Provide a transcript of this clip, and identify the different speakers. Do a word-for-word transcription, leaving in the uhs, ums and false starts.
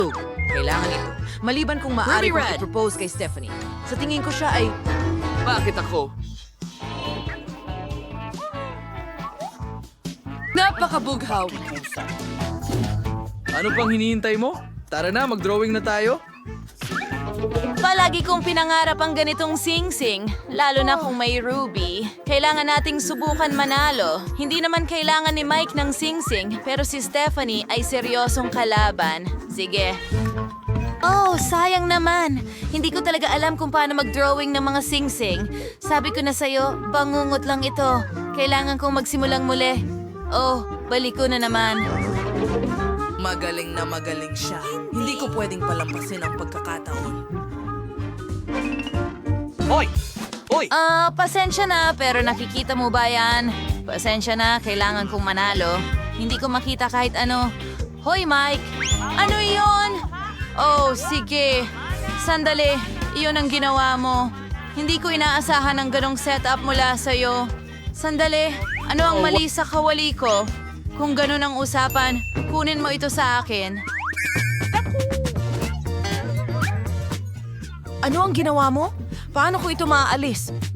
Speaker 1: Kailangan ito. Maliban kung maaari
Speaker 2: Ruby
Speaker 1: kong
Speaker 2: Red.
Speaker 1: i-propose kay Stephanie. Sa tingin ko siya ay...
Speaker 2: Bakit ako?
Speaker 3: Napakabughaw.
Speaker 4: Ano pang hinihintay mo? Tara na, mag-drawing na tayo.
Speaker 5: Palagi kong pinangarap ang ganitong sing-sing, lalo na kung may Ruby. Kailangan nating subukan manalo. Hindi naman kailangan ni Mike ng sing-sing, pero si Stephanie ay seryosong kalaban. Sige. Oh, sayang naman. Hindi ko talaga alam kung paano mag-drawing ng mga sing-sing. Sabi ko na sa'yo, bangungot lang ito. Kailangan kong magsimulang muli. Oh, balik ko na naman.
Speaker 1: Magaling na magaling siya. Hindi ko pwedeng palampasin ang pagkakataon.
Speaker 4: Hoy! Hoy!
Speaker 5: Ah, pasensya na, pero nakikita mo ba yan? Pasensya na, kailangan kong manalo. Hindi ko makita kahit ano. Hoy, Mike! Ano iyon? Oh, sige. Sandali, iyon ang ginawa mo. Hindi ko inaasahan ang ganong setup mula sa'yo. Sandali, ano ang mali sa kawali ko? Kung ganon ang usapan, kunin mo ito sa akin.
Speaker 1: Ano ang ginawa mo? Paano ko ito maaalis?